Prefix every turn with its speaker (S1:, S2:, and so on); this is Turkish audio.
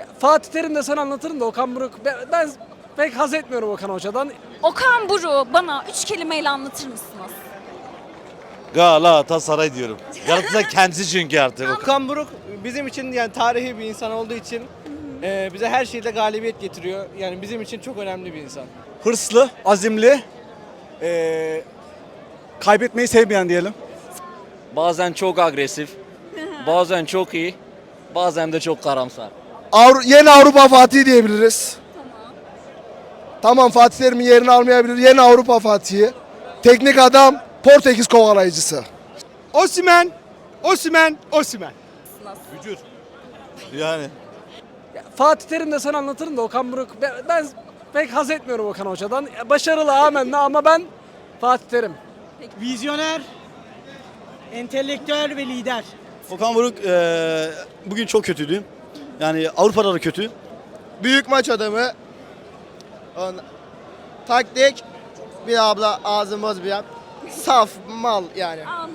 S1: Fatih Terim de sana anlatırım da Okan Buruk. Ben pek haz etmiyorum Okan Hoca'dan.
S2: Okan Buruk'u bana 3 kelimeyle anlatır mısınız?
S3: Galatasaray diyorum. Galatasaray kendisi çünkü artık.
S4: Okan Buruk bizim için yani tarihi bir insan olduğu için bize her şeyde galibiyet getiriyor. Yani bizim için çok önemli bir insan.
S5: Hırslı, azimli, kaybetmeyi sevmeyen diyelim.
S6: Bazen çok agresif, bazen çok iyi, bazen de çok karamsar.
S7: Yeni Avrupa Fatih diyebiliriz. Tamam, Fatih Terim'in yerini almayabilir. Yeni Avrupa Fatih'i. Teknik adam, Portekiz kovalayıcısı.
S5: Osimhen.
S3: Yani.
S1: Fatih Terim de sana anlatırım da Okan Buruk. Ben pek haz etmiyorum Okan Hoca'dan. Başarılı amenna ama ben Fatih Terim.
S8: Vizyoner, entelektüel ve lider.
S5: Okan Buruk bugün çok kötüydü. Yani Avrupa'da da kötü.
S7: Büyük maç adamı. Taktik, bir abla ağzımız bir yap. Saf mal yani.